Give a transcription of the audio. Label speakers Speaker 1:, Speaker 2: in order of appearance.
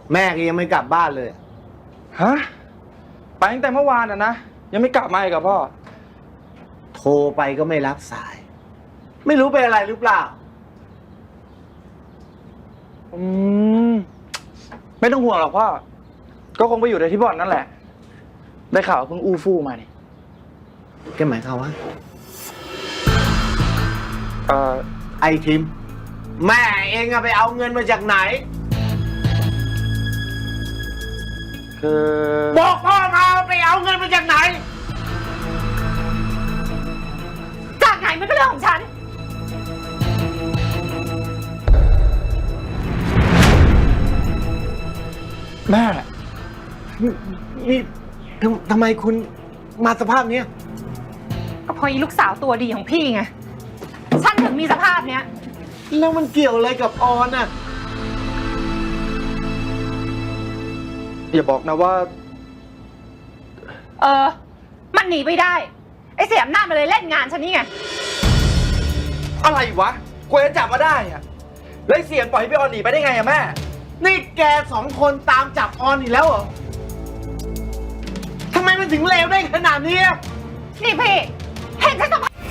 Speaker 1: แม่ก็ยังไม่กลับบ้านเลย
Speaker 2: ฮะไปตั้งแต่เมื่อวานนะยังไม่กลับมาอีกกับพ่อ
Speaker 1: โทรไปก็ไม่รับสาย ไม่รู้เป็นอะไรหรือเปล่า
Speaker 2: อืมไม่ต้องห่วงหรอกพ่อก็คงไปอยู่ในที่บ่อนนั่นแหละได้ข่าวเพิ่งอู้ฟู่มานี่
Speaker 1: แกหมายความว่า
Speaker 2: เอ่อ
Speaker 1: ไอ้ทิมแม่เองอะไปเอาเงินมาจากไหน
Speaker 2: คือ
Speaker 1: บอกพ่อมาไปเอาเงินมาจากไหน
Speaker 3: จากไหนมันก็เรื่องของฉัน
Speaker 2: แม่
Speaker 1: นี่ทำไมคุณมาสภาพเนี้ย
Speaker 3: ก็เพราะอีลูกสาวตัวดีของพี่ไง ฉันถึงมีสภาพเนี้ย
Speaker 1: แล้วมันเกี่ยวอะไรกับออนอะ
Speaker 2: อย่าบอกนะว่า
Speaker 3: มันหนีไปได้ ไอ้เสียมหน้าจมันเลยเล่นงานฉันนี่ไง
Speaker 2: อะไรวะกว่าจะจับมาได้อะแล้วไอ้เสียงปล่อยให้พี่ออนหนีไปได้ไงอะแม่
Speaker 1: นี่แกสองคนตามจับออนอีกแล้วเหรอทำไมมันถึงเลวได้ขนาดนี้อะ
Speaker 3: นี่พี่ เห็นฉันสภาพ